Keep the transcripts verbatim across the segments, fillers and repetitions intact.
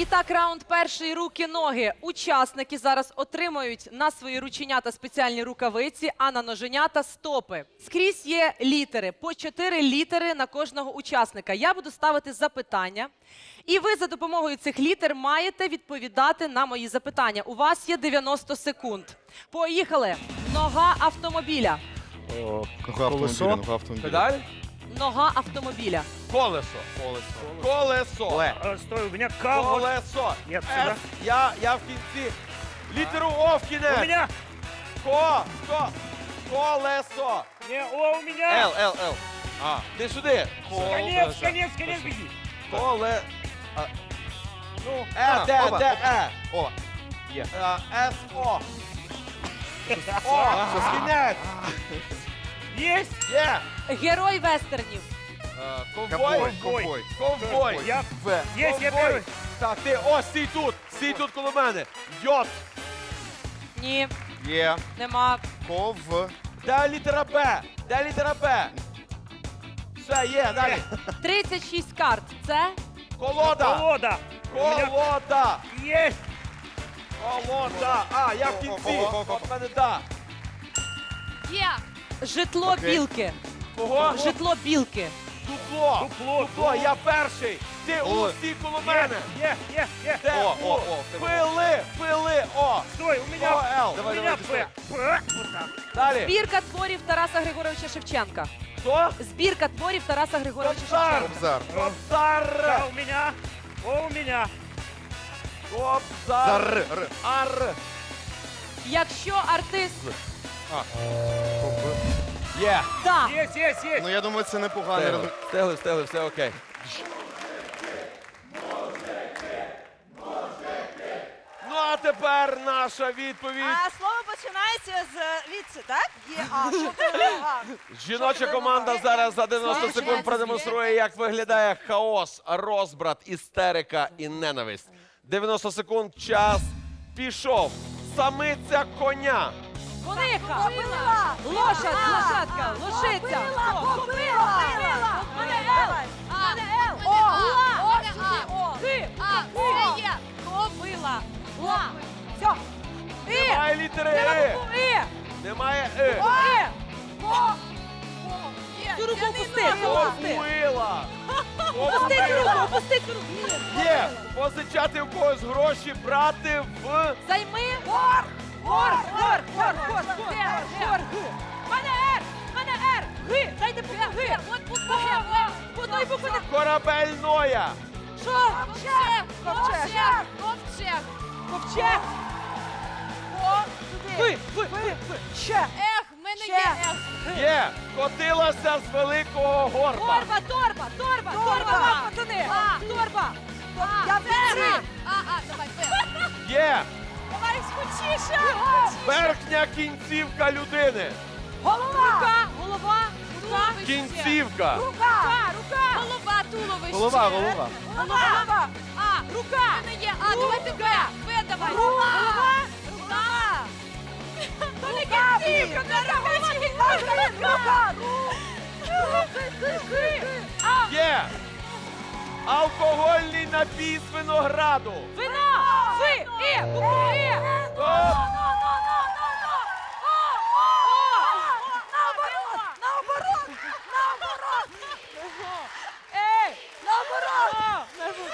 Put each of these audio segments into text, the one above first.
І так, раунд перший руки-ноги. Учасники зараз отримають на свої рученята спеціальні рукавиці, а на ноженята стопи. Скрізь є літери, по чотири літери на кожного учасника. Я буду ставити запитання, і ви за допомогою цих літер маєте відповідати на мої запитання. У вас є дев'яносто секунд. Поїхали. Нога автомобіля. О, нога автомобіля, нога автомобіля. Педаль? Нога автомобіля. Колесо. Колесо. Колесо. Ле. А, стой, у меня К. вот. Колесо. Нет, С. сюда. Я, я в кінці. Літеру О в кінець. У меня. Ко. Ко. Колесо. Не, О, у меня. Л, Л, Л. А, ти сюди. Конец, конец, конец, беги. Коле. Ну, Е, А, де, оба. де, Е. О, Е, С, О. О, кінець. есть. Є. Герой вестернів. Е, ковбой, Ковбой. ковбой. Ковбой. Я. В. Есть, я Ковбой. первый. Так, ти, о, стій тут. Стій тут коло мене. Йот. Ні, Є, нема. ков, Де літера Б? Де літера Б? Все, є, далі. тридцять шість карт. Це Колода. Колода. У меня Колода. есть. Колода. А, я в кінці. Ко- ко- ко- От мене да. є. Житло Окей. білки. Кого? Житло білки. Дупло. Дупло, Дупло, я перший. Ти у, Ой. стій коло мене. Е, е, е. Де? О, У? о, о, в тебе. Пили, пили, о. Стой, у О, меня. Л. У Давай, меня давай, П. П. Вот так. Далі. Збірка творів Тараса Григоровича Шевченка. Хто? Збірка творів Тараса Григоровича Кобзар. Шевченка. кобзар. Кобзар. К у меня. О, у меня. Кобзар. Зар, р. Ар. Якщо артист Є. да, Есть, есть, есть. Ну, я думаю, це непоганий Встигли, результат. встигли, встигли, все окей. Ну, а тепер наша відповідь. А слово починається з від, так? Є, а, що це нога? Жіноча команда зараз за дев'яносто секунд продемонструє, як виглядає хаос, розбрат, істерика і ненависть. дев'яносто секунд, час пішов. Самиця коня. кониха, Кобила! лошадь, лошадка, лошиця. Кобила! Хто? Кобила! Мене Л. А, Мене Л. О, Ла. О, Мене сюди, А. О. Ти. А, О. це є. Кобила. Ла. Все. І. Немає літери Треба Е. букву І. Немає Е. І. Ко. Є, Цю руку я не опусти, знаю. опусти. Кобила. Опусти цю руку, опусти цю руку. Є. Позичати в когось гроші, брати в... Займи. Горг. Горг. Горг. Горг. Горг. Горг. Мене Р. Мене Р. Г. Дайте букву Г. От букву Г. По одної букви не... Корабельноя. Що? Ковчег. Ковчег. Ковчег. Ковчег. Ко. Ви. Сюди. Ви. Ви. Ви. Ще. Ех, в мене Ще. є ех. Є. Котилася з великого горба. Торба, торба, торба, торба, Торба. вам, пацани. А. Торба. А, Я це в Р. кінці. А, а, давай, П. Є. Давай, скучіше. Верхня кінцівка людини. Голова. Рука, голова, рука. Кінцівка. Рука, рука. Голова, туловище. Голова, голова. Голова. А, Рука. в мене є. А, давайте П. П давай. Голова. Рука. То не кінцівка, не рука. А, Є. Алкогольний напій з винограду. вино. Ви. І. Букву І. Стоп. Наоборот, наоборот, наоборот. Ей. Наоборот.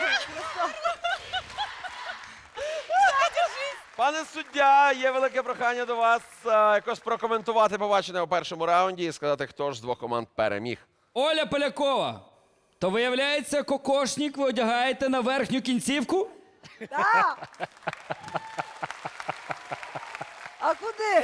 Пане суддя, є велике прохання до вас е, якось прокоментувати побачене у першому раунді і сказати, хто ж з двох команд переміг. Оля Полякова, то виявляється, кокошник ви одягаєте на верхню кінцівку? Да. А куди?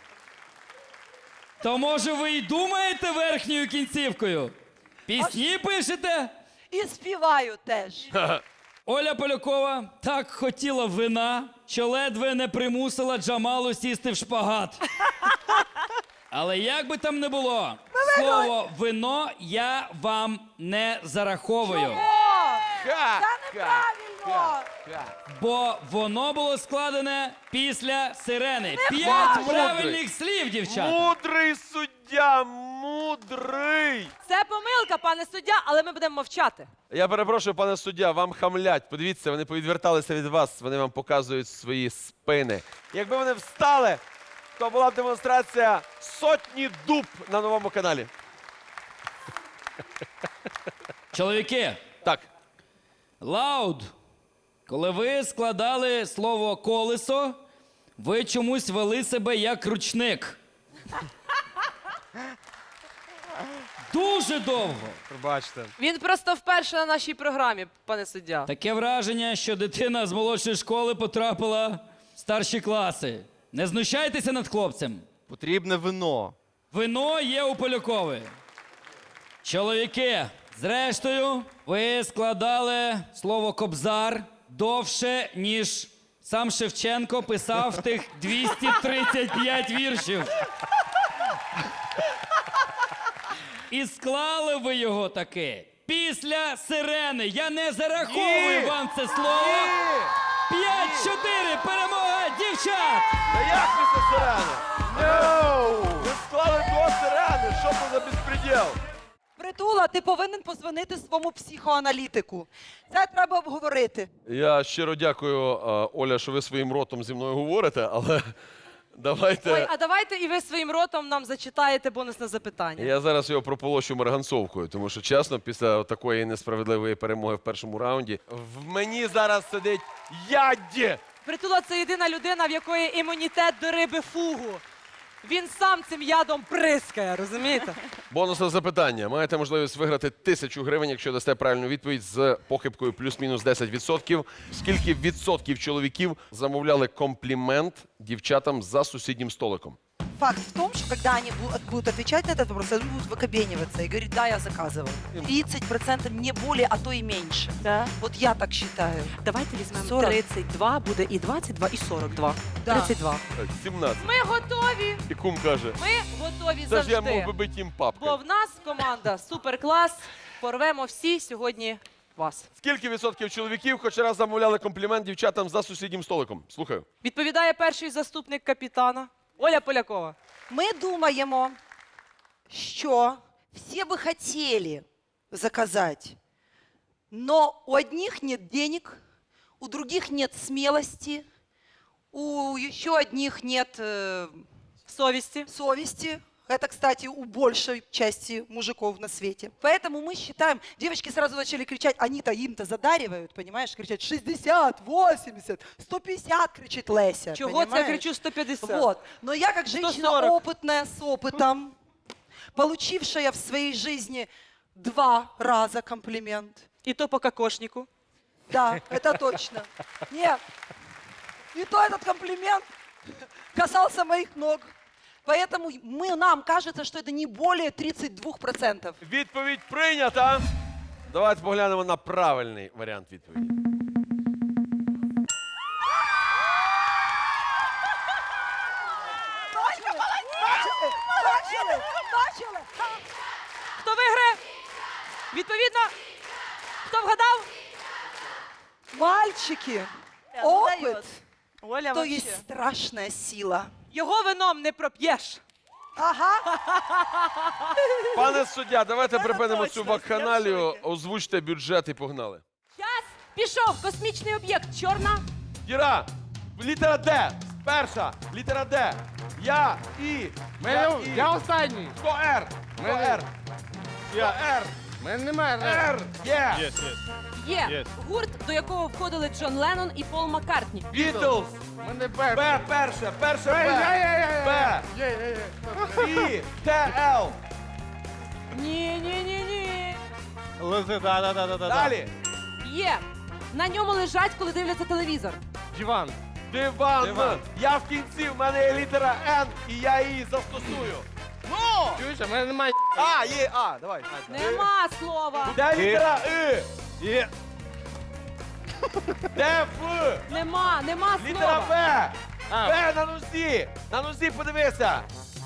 То може ви й думаєте верхньою кінцівкою? Пісні пишете? І співаю теж. Оля Полякова так хотіла вина, що ледве не примусила Джамалу сісти в шпагат. Але як би там не було, слово «вино» я вам не зараховую. Ха! Це неправильно. Бо воно було складене після сирени. П'ять Мудрий. правильних слів, дівчата. Мудрий суддя, мудрий. Це помилка, пане суддя, але ми будемо мовчати. Я перепрошую, пане суддя, вам хамлять. Подивіться, вони повідверталися від вас, вони вам показують свої спини. Якби вони встали, то була б демонстрація сотні дуб на новому каналі. Чоловіки, Так, лауд. Коли ви складали слово колесо, ви чомусь вели себе як ручник. Дуже довго. Пробачте. Він просто вперше на нашій програмі, пане суддя. Таке враження, що дитина з молодшої школи потрапила в старші класи. Не знущайтеся над хлопцем. Потрібне вино. Вино є у Полякової. Чоловіки, зрештою, ви складали слово кобзар довше, ніж сам Шевченко писав тих двісті тридцять п'ять віршів. І склали ви його таки після сирени. Я не зараховую Ні! вам це слово. п'ять-чотири, перемога дівчат! та як після сирени? Ви склали до сирени, що це за безпреділ? Притула, ти повинен позвонити своєму психоаналітику. Це треба обговорити. Я щиро дякую, е, Оля, що ви своїм ротом зі мною говорите, але давайте... Ой, а давайте і ви своїм ротом нам зачитаєте бонусне запитання. Я зараз його прополощу марганцовкою, тому що, чесно, після такої несправедливої перемоги в першому раунді в мені зараз сидить ядь! Притула – це єдина людина, в якої імунітет до риби фугу. Він сам цим ядом прискає, розумієте? Бонусне запитання. Маєте можливість виграти тисячу гривень, якщо дасте правильну відповідь з похибкою плюс-мінус десять відсотків. Скільки відсотків чоловіків замовляли комплімент дівчатам за сусіднім столиком? Факт в том, что когда они бу- будут отвечать на этот вопрос, они будут выкобениваться и говорить, да, я заказывал. тридцать процентов не более, а то и меньше. Да. Вот я так считаю. Давайте візьмемо сорок. тридцять два, буде і двадцять два, і сорок два. Да. тридцять два. Так, сімнадцять. Ми готові. І кум каже, Ми готові це ж я мог завжди. би бити їм Бо папкою. в нас команда суперклас. Порвемо всі сьогодні вас. Скільки відсотків чоловіків хоч раз замовляли комплімент дівчатам за сусіднім столиком? Слухаю. Відповідає перший заступник капітана Оля Полякова. Ми думаємо, що всі би хотіли заказати, но у одних нет денег, у других нет смелости, у еще одних нет э, Совісті. совести. Это, кстати, у большей части мужиков на свете. Поэтому мы считаем, девочки сразу начали кричать, они-то им-то задаривают, понимаешь, кричать шестьдесят, восемьдесят, сто пятьдесят, кричит Леся. Чого це я понимаешь? кричу сто п'ятдесят? Вот. Но я как женщина сто сорок. опытная, с опытом, получившая в своей жизни два раза комплимент. І то по кокошнику. Да, это точно. Нет. И то этот комплимент касался моих ног. Поэтому мы, нам кажется, что это не более тридцати двох процентів. Відповідь прийнята. Давайте поглянемо на правильний варіант відповіді. Бачили? Бачили? Бачили? Хто виграє? Відповідно, хто вгадав? Мальчики, опыт, Оля то вообще. есть страшная сила. Його вином не проп'єш. Ага. Пане суддя, давайте припинимо точно, цю вакханалію, я в шокі. озвучте бюджет і погнали. Час пішов. Космічний об'єкт. Чорна. Діра, літера Д, перша, літера Д. Я, І, я, І. Я останній. Хто Р? Хто Мене- Р? Хто Р? У мене немає. Р, є. Є. Є. Гурт, до якого входили Джон Леннон і Пол Маккартні. Бітлз. У мене Б, Б. перше, перше Є, є, є, Б. є. Б. Є, є, є. І, Т, Л. Ні, ні, ні, ні. Лизи, да, да, да, да, да. Далі. Є. На ньому лежать, коли дивляться телевізор. Диван. Диван. Диван. Я в кінці, в мене є літера Н, і я її застосую. Ну! Чуєш, у мене немає. А, є, А, давай. Нема слова. Де літера І? Є. Де Ф? Нема, нема Літера слова. Б. А. Б на нозі. На нозі подивися.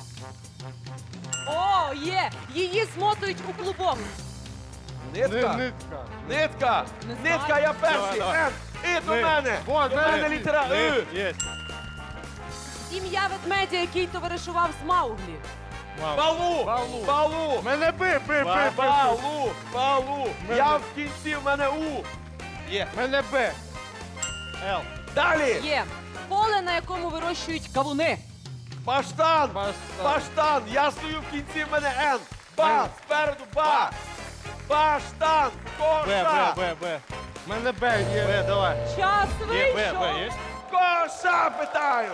О, є. Її змотують у клубок. Нитка. Нитка. Нитка. Не знаю. Нитка, я перший. Давай, давай. Н. І до Ни- мене. Вот, До мене літера І. Є. Ім'я ведмедя, який товаришував з Мауглі. Балу! Балу. Балу! Мене би, би, би, би, би. Балу! Балу! Мене- Я в кінці, в мене У! Є. Мене Б. Л. Далі! Є. Поле, на якому вирощують кавуни. Баштан! Баштан. Баштан! Я стою в кінці, в мене Н! Ба! Спереду ба! Баштан! Б, Коша! Б, Б, Б. Мене Б є. Б, давай. Час Є, Б, Б, вийшов. є? Коша, питаю!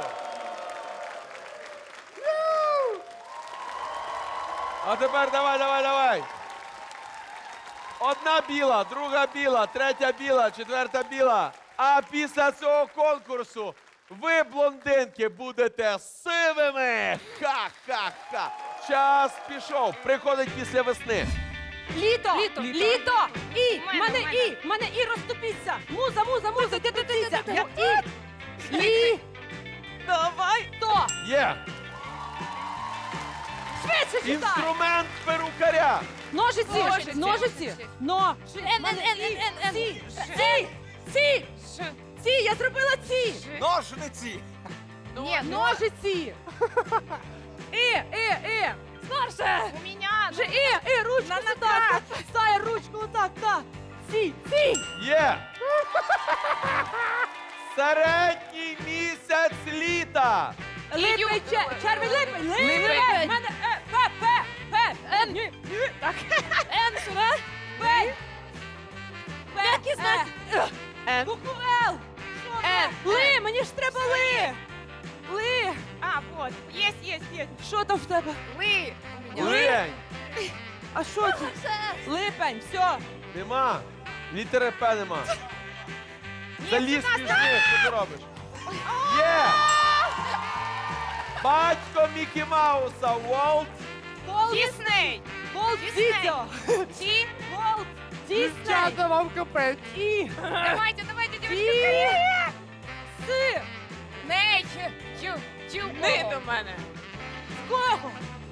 А тепер давай, давай, давай. Одна біла, друга біла, третя біла, четверта біла. А після цього конкурсу ви, блондинки, будете сивими. Ха-ха-ха. Час пішов. Приходить після весни. Літо. Літо. Літо. І. Мене, Мене мене. і. Мене і розступіться. Муза, муза, муза. Ти тупіться. І. Лі. Давай. То. Є. Швидше читай. Інструмент перукаря. Ножиці. Ножиці. Ножиці. Но. Н, Н, Н, Н, Н, Н. Ці. Ці. Ці. Ш. Ці. Я зробила ці. Ножниці. Ні, ну, Ножиці. І. І. І. Старше. у меня. Вже і. І. Ручку На сюди. ногах. Стає ручку отак. Так. Ці. Ці. Є. Середній місяць літа. Липень, Іюнь. чер- червень, липень, липень. Липень. Мене е, П, П, П, Н, ні, ні, так. Н, сюди. П. П, Які знаки? Н. Букву Л. Н. Ли, мені ж треба ли. Ли. А, вот. Есть, есть, есть. Що там в тебе? Вы. У меня. Лень. А що це? Липень, все. Нема. Літери П нема. Заліз між них, що ти робиш? Є! Батько Мікі Мауса, Уолт. Волт, Дисней. Волт, Дісней. Дідьо. Ти. Волт, Дісней. Дівчата, вам капець. І. Давайте, давайте, Ті. девочки. С. Ней. Чу. Чу. Ми до мене. Кого?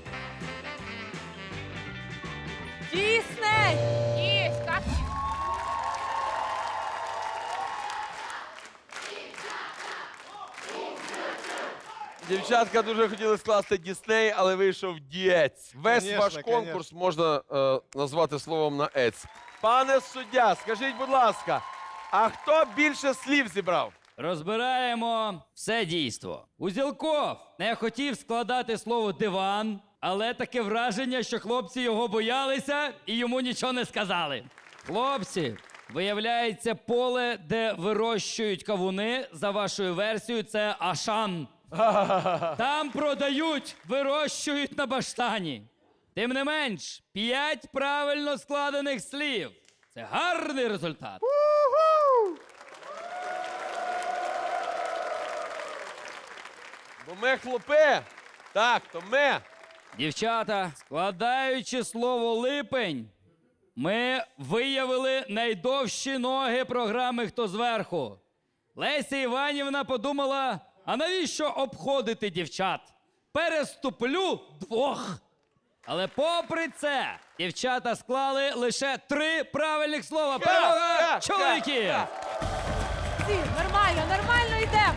Дісней. Есть. Как? Дівчатка дуже хотіли скласти Дісней, але вийшов Дієць. Весь Конечно, ваш конкурс можна е, назвати словом на ець. Пане суддя, скажіть, будь ласка, а хто більше слів зібрав? Розбираємо все дійство. Узілков не хотів складати слово диван, але таке враження, що хлопці його боялися і йому нічого не сказали. Хлопці, виявляється, поле, де вирощують кавуни, за вашою версією, це Ашан. Там продають, вирощують на баштані. Тим не менш, п'ять правильно складених слів. Це гарний результат. Бо ми хлопи. Так, то ми. Дівчата, складаючи слово липень, ми виявили найдовші ноги програми «Хто зверху». Леся Іванівна подумала, а навіщо обходити дівчат? Переступлю двох. Але попри це, дівчата склали лише три правильних слова. Перемога ха, чоловіків! ха. Всі, нормально, нормально йдемо.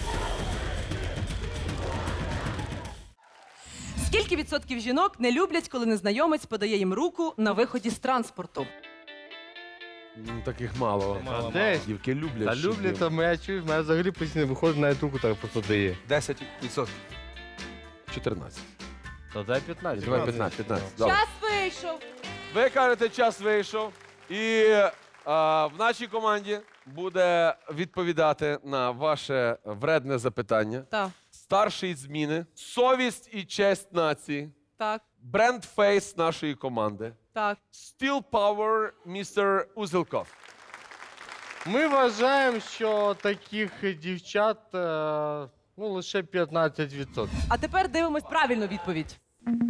Скільки відсотків жінок не люблять, коли незнайомець подає їм руку на виході з транспорту? Ну, таких мало. Мало, Десь. Дівки люблять. Та щоб люблять, їм- то мене чуєш, мене взагалі постійно виходить на руку, так просто дає. десять відсотків. чотирнадцять. То дай п'ятнадцять. Давай п'ятнадцять, п'ятнадцять. Добре. Час вийшов. Ви кажете, час вийшов. І а, в нашій команді буде відповідати на ваше вредне запитання. Так, Старший зміни, совість і честь нації, так, бренд-фейс нашої команди, так. Steel Power містер Узелков. Ми вважаємо, що таких дівчат е, ну, лише п'ятнадцять відсотків. А тепер дивимось правильну відповідь.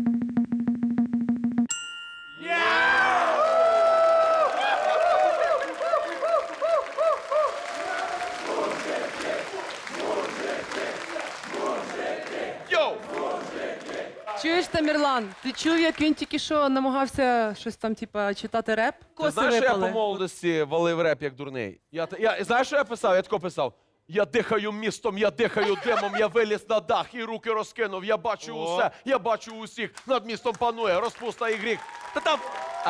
Йоу! Чуєш, Тамірлан, ти чув, як він тільки що намагався щось там, типа, читати реп? Ти Коси знаєш, що я по випали. молодості валив реп як дурний? Я, та- я, знаєш, що я писав? Я тако писав. Я дихаю містом, я дихаю димом, я виліз на дах і руки розкинув. Я бачу усе, я бачу усіх. Над містом панує розпуста і гріх. Та там. А.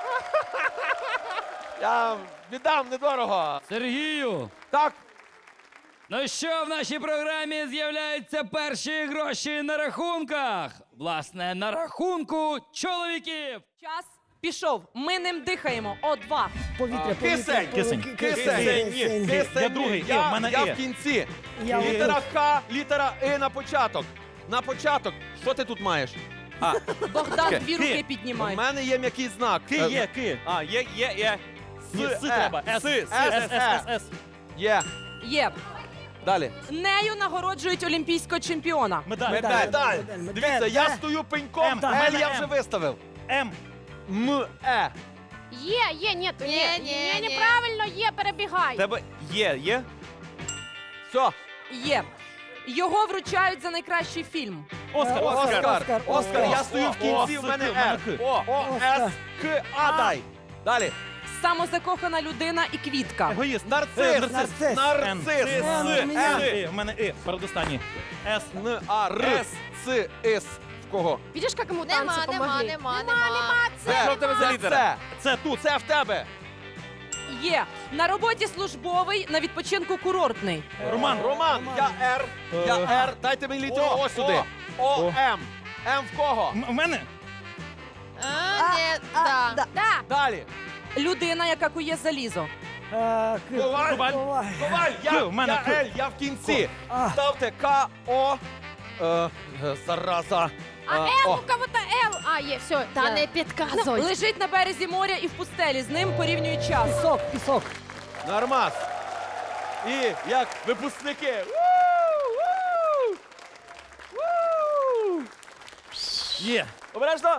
Я віддам недорого. Сергію, Так, ну що, в нашій програмі з'являються перші гроші на рахунках. Власне, на рахунку чоловіків. Час пішов. Ми ним дихаємо. О, два. кисень, Кисень. кисень, Кисень. кисень. Я другий, я, І, в мене я І. в кінці. Я Літера Х, літера І на початок. На початок. Що ти тут маєш? Богдан, Ки. дві Ки. руки У піднімай. мене є м'який знак. Ки Е, є, ки. А, є, є, є. Ні, С, С Е. треба. С, С, С, С, С, С, С, С. Є. Є. Далі. Нею нагороджують олімпійського чемпіона. Медаль. Медаль. Дивіться, я стою пеньком, М, Ель М, я М. вже виставив. М. М, Е. Є, є, ні, то ні. Ні, Ні, ні, ні. неправильно, є, перебігай. Тебе є, є. Все. Є. Його вручають за найкращий фільм. Оскар, Оскар. Оскар. Оскар. Я О, стою в о, кінці, О, в мене С, в мене Р. К. О, О, С, К, А дай. Далі. Самозакохана людина і квітка. Егоїст. Нарцис. Е, Нарцис. Н. Нарцис. С, С, С, Е. І. В мене І. Передостанній. С. Н, А, Р. С. Ц, Іс. В кого? Видиш, як йому Нема, танці нема, помогли? нема, нема. Це. Що в тебе за Це літера? Це. Це тут. Це в тебе. Є. На роботі службовий, на відпочинку курортний. Роман. Роман. Я Р. Я Р. Дайте мені літеру О, О сюди. О. О, М. М в кого? М- В мене? А, ні, да. да. Да. Далі. Людина, яка кує залізо. Коваль. Коваль. Коваль. Я, К, в мене я К. Л. Я в кінці. Ставте К, О. Е, е, зараза. А Е, Л, О. у кого-то Л. А, є, все. Та я- не підказуй. Лежить на березі моря і в пустелі. З ним порівнюють час. Нормас. І як випускники. Ву! Ву! Ву! Є. Обережно.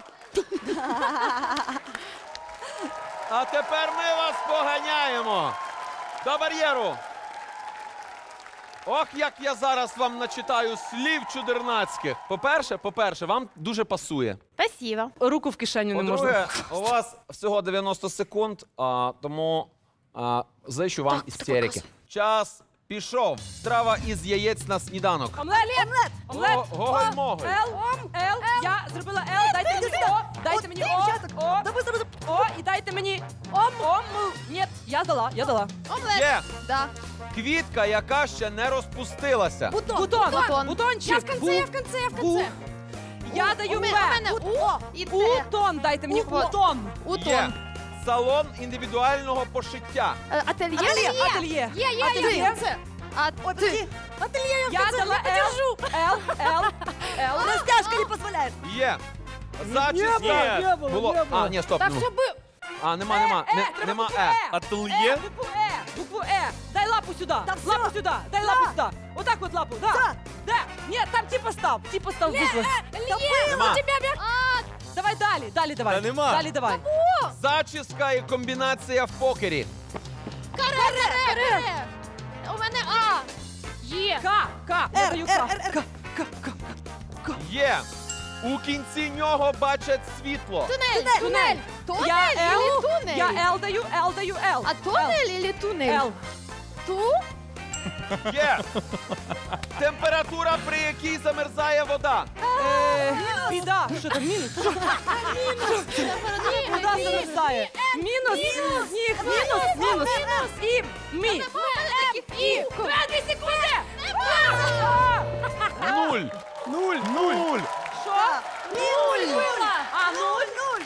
А тепер ми вас поганяємо до бар'єру. Ох, як я зараз вам начитаю слів чудернацьких. По-перше, по-перше, вам дуже пасує. Спасибо. Руку в кишеню не можна. По-друге, у вас всього дев'яносто секунд, а, тому а, зичу вам істерики. Час пішов. Страва із яєць на сніданок. Омлет! Омлет! Омлет! Го- Гоголь-моголь. Л, Л, я зробила Л, дайте мені О, дайте мені О, О, О, і дайте мені Ом, Ом, Ні, я дала, я дала. Омлет. Є Да. квітка, яка ще не розпустилася. Бутон, Бутон. бутончик. Я в конце, я в конце, я в конце. Я даю У Б. мене у мене О і Т. Бутон, дайте мені Вот. бутон. Є Утон. салон індивідуального пошиття. Е, Ательє. Ательє, ательє. Є, є, Ательє. є, в конце. А ти. Я дала Л, Л, Л, Л. Растяжка не позволяет. Є зачіска. Є. Було. А, ні, стоп. Так, ну. все було. А, нема, нема. Е, Не- треба Нема букву Е. Е. Ательє. Е, букву Е, букву Е. Дай лапу сюди. Лапу сюди. Дай лапу сюди. Отак от лапу. Да. Де? Ні, там типа став. Типа став букви. Нема. У тебя бя- Давай далі, далі давай. Та нема. Далі давай. Зачіска і комбінація в покері. Каре, каре, каре. У мене А. Є. К, К. Я Р, даю Р, К. Р, Р. Є. У кінці нього бачать світло. Тунель. Тунель. Тунель Я или Л, тунель? я Л даю, Л даю, Л. А тунель или тунель? Л. Ту? Є. Температура, при якій замерзає вода. Е, Біда. Що там мінус? Що? Вода замерзає. Мінус. Сніг. Мінус. Мінус. І. Мі. І. Дві секунди. Нуль. Нуль. Нуль. Що? Нуль. А, нуль. Нуль.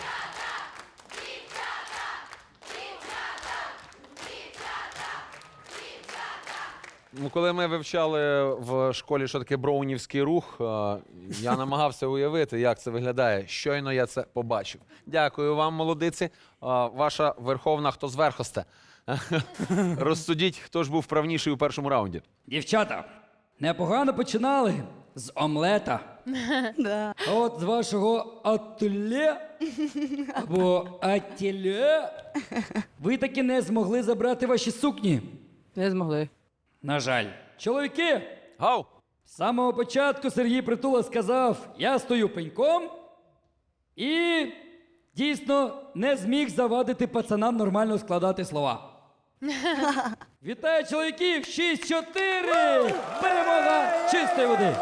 Ну, коли ми вивчали в школі, що таке броунівський рух, е, я намагався уявити, як це виглядає. Щойно я це побачив. Дякую вам, молодиці. Е, Ваша верховна хто зверхосте. Розсудіть, хто ж був правніший у першому раунді. Дівчата, непогано починали з омлета. Да. А от з вашого ательє або ательє ви таки не змогли забрати ваші сукні. Не змогли. На жаль. Чоловіки, Гау! з самого початку Сергій Притула сказав, я стою пеньком і дійсно не зміг завадити пацанам нормально складати слова. Вітаю чоловіків! шість чотири! Перемога чистої води!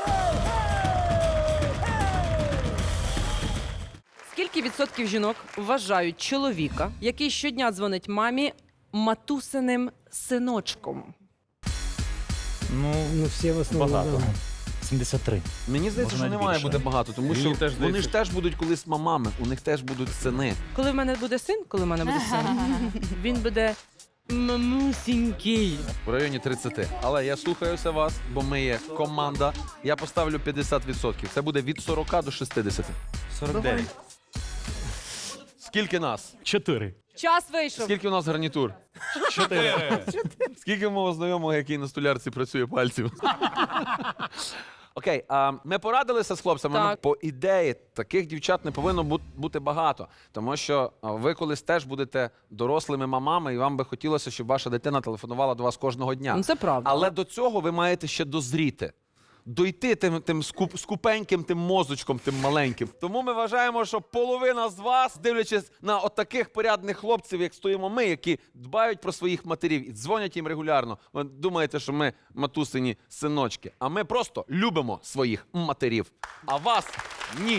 Скільки відсотків жінок вважають чоловіка, який щодня дзвонить мамі, матусиним синочком? Ну, Ну, всі в основному. багато. сімдесят три. Мені здається, Може, що не навіть має більше. бути багато, тому Мені що теж вони здається. ж теж будуть колись мамами, у них теж будуть сини. Коли в мене буде син, коли в мене буде син, він буде мамусінький. В районі тридцяти. Але я слухаюся вас, бо ми є команда. Я поставлю п'ятдесят відсотків. Це буде від сорока до шістдесяти. сорок дев'ять. Скільки нас? чотири. Час вийшов. Скільки у нас гарнітур? чотири. Скільки мого знайомого, який на столярці працює пальців? Окей, а ми порадилися з хлопцями. Так. Ну, по ідеї, таких дівчат не повинно бу- бути багато. Тому що а, ви колись теж будете дорослими мамами, і вам би хотілося, щоб ваша дитина телефонувала до вас кожного дня. Ну, це правда. Але до цього ви маєте ще дозріти. Дойти тим, тим скуп, скупеньким, тим мозочком, тим маленьким. Тому ми вважаємо, що половина з вас, дивлячись на отаких порядних хлопців, як стоїмо ми, які дбають про своїх матерів і дзвонять їм регулярно. Ви думаєте, що ми матусині синочки. А ми просто любимо своїх матерів. А вас ні.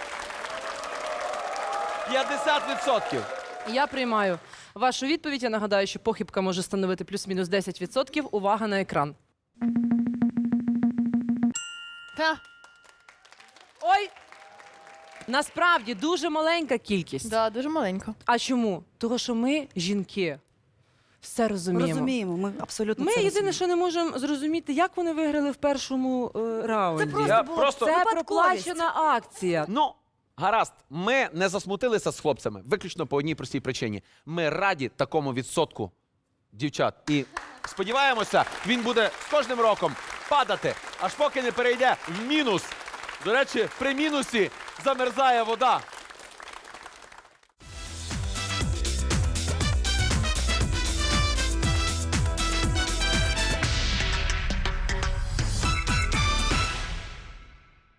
п'ятдесят відсотків. Я приймаю вашу відповідь. Я нагадаю, що похибка може становити плюс-мінус десять відсотків. Увага на екран. Та, Ой! Насправді дуже маленька кількість. да, дуже маленько. А чому? Того, що ми, жінки, все розуміємо. Розуміємо, ми абсолютно Ми це єдине, розуміємо. що не можемо зрозуміти, як вони виграли в першому е, раунді. Це просто Я було просто- Це випадковість. проплачена акція. Ну, гаразд, ми не засмутилися з хлопцями, виключно по одній простій причині. Ми раді такому відсотку дівчат. І сподіваємося, він буде з кожним роком падати, аж поки не перейде в мінус. До речі, при мінусі замерзає вода.